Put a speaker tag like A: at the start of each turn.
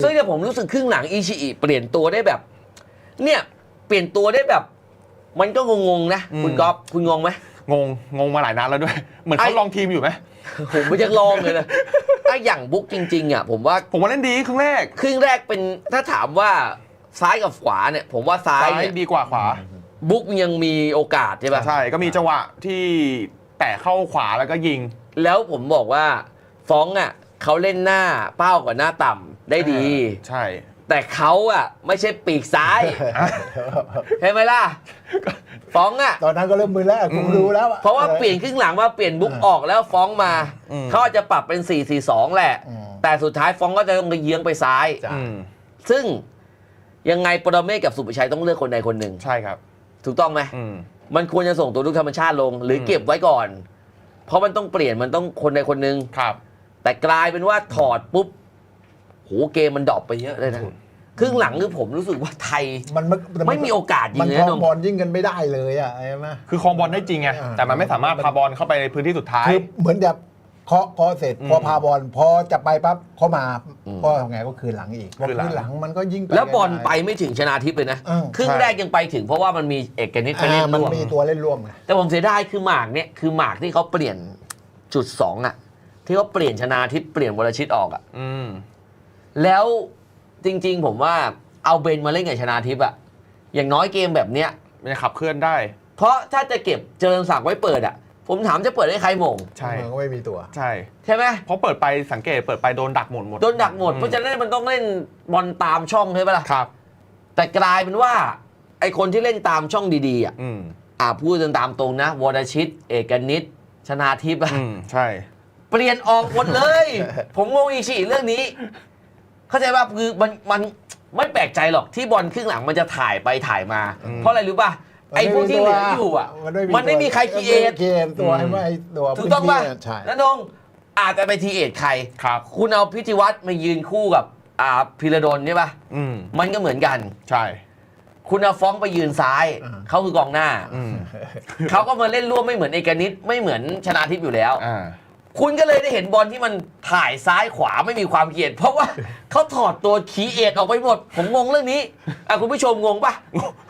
A: ซึ่งเนี่ยผมรู้สึกครึ่งหลังอิชิอิเปลี่ยนตัวได้แบบ เนี่ยเปลี่ยนตัวได้แบบ มันก็งงๆนะคุณก๊อฟคุณงงไหม
B: งงมาหลายนัดแล้วด้วยเหมือนเขาลองทีมอยู่ไหม
A: ผมไม่จะลองเลยนะถ้าอย่างบุ๊กจริงๆอ่ะผมว่า
B: เล่นดีครึ่งแรก
A: เป็นถ้าถามว่าซ้ายกับขวาเนี่ยผมว่าซ้ายเนี่ย
B: ดีกว่าขวา
A: บุ๊กยังมีโอกาสใช่ป่ะ
B: ใช่ก็มีจังหวะที่แตะเข้าขวาแล้วก็ยิง
A: แล้วผมบอกว่าฟ้องอ่ะเขาเล่นหน้าเป้ากับหน้าต่ำได้ดี
B: ใช่
A: แต่เขาอ่ะไม่ใช่ปีกซ้ายเห็นไหมล่ะฟ้องอ่ะ
C: ตอนนั้นก็เริ่มมือแล้วผมรู้แล้ว
A: เพราะว่าเปลี่ยนครึ่งหลังว่าเปลี่ยนบุ๊กออกแล้วฟ้องมาเขาอาจจะปรับเป็น 4-4-2 แหละแต่สุดท้ายฟ้องก็จะต้องเยื้องไปซ้ายซึ่งยังไงปรเมศกับสุภชัยต้องเลือกคนใดคนหนึ่ง
B: ใช่ครับ
A: ถูกต้องไหมมันควรจะส่งตัวลูกธรรมชาติลงหรือเก็บไว้ก่อนเพราะมันต้องเปลี่ยนมันต้องคนใดคนหนึ่งแต่กลายเป็นว่าถอดปุ๊บโหเกมมันดรอปไปเยอะเลยนะครึ่งหลังคือผมรู้สึกว่าไทยมันไม่มีโอกาสยิงเลย
C: นะบอลยิงกันไม่ได้เลยอ่ะใช่ไหม
B: คือครองบอลได้จริงไงแต่มันไม่สามารถพาบอลเข้าไปในพื้นที่สุดท้าย
C: คือเหมือนจะเคาะเสร็จพอพาบอลพอจะไปปั๊บเขามาก็ทำไงก็คืนหลังอีกคืนหลังมันก็ยิง
A: แล้วบอลไปไม่ถึงชนาทิพย์เลยนะครึ่งแรกยังไปถึงเพราะว่ามันมีเอกนิตไปเล่นร่วม
C: มันมีตัวเล่นร่วม
A: แต่ผมเสียดายคือหมากเนี่ยคือหมากที่เขาเปลี่ยนจุด2อ่ะที่เขาเปลี่ยนชนาทิพย์เปลี่ยนวรชิตออกอ่ะแล้วจริงๆผมว่าเอาเบนมาเล่นกับชนาทิพย์อ่ะอย่างน้อยเกมแบบเนี้ย
B: มันจะขับเคลื่อนได้
A: เพราะถ้าจะเก็บเจริญศักดิ์ไว้เปิดอ่ะผมถามจะเปิดให้ใครมง
B: ใช่
C: ก็ไม่มีตัว
A: ใช่ไหม
B: เพราะเปิดไปสังเกตเปิดไปโดนดักหมด
A: โดนดักหมดเพราะฉะนั้นมันต้องเล่นบอลตามช่องใช่ไหมล่ะ
B: ครับ
A: แต่กลายเป็นว่าไอคนที่เล่นตามช่องดีๆอ่ะพูดตามตรงนะวรชิตเอกนิตชนาทิพย์
B: ใช่
A: เปลี่ยนออกหมดเลย ผมงงอีกชีเรื่องนี้เข้าใจป่ะคือมันไม่แปลกใจหรอกที่บอลครึ่งหลังมันจะถ่ายไปถ่ายมาเพราะอะไรรู้ป่ะไอ้พวกที่เหลืออยู่อ่ะมันไม่มีใครคีเอท
C: ตัวให้ไม่ตัว
A: ถูกต้องป่ะแล้วน้องอาจจะไปทีเอทใครคุณเอาพิธีวัฒน์มายืนคู่กับพิรดลใช่ป่ะมันก็เหมือนกัน
B: ใช่
A: คุณเอาฟ้องไปยืนซ้ายเขาคือกองหน้าเขาก็มาเล่นร่วมไม่เหมือนเอกนิตไม่เหมือนชนาทิพย์อยู่แล้วคุณก็เลยได้เห็นบอลที่มันถ่ายซ้ายขวาไม่มีความเกียรติเพราะว่าเขาถอดตัวคีเอทออกไปหมดผมงงเรื่องนี้คุณผู้ชมงงป่ะ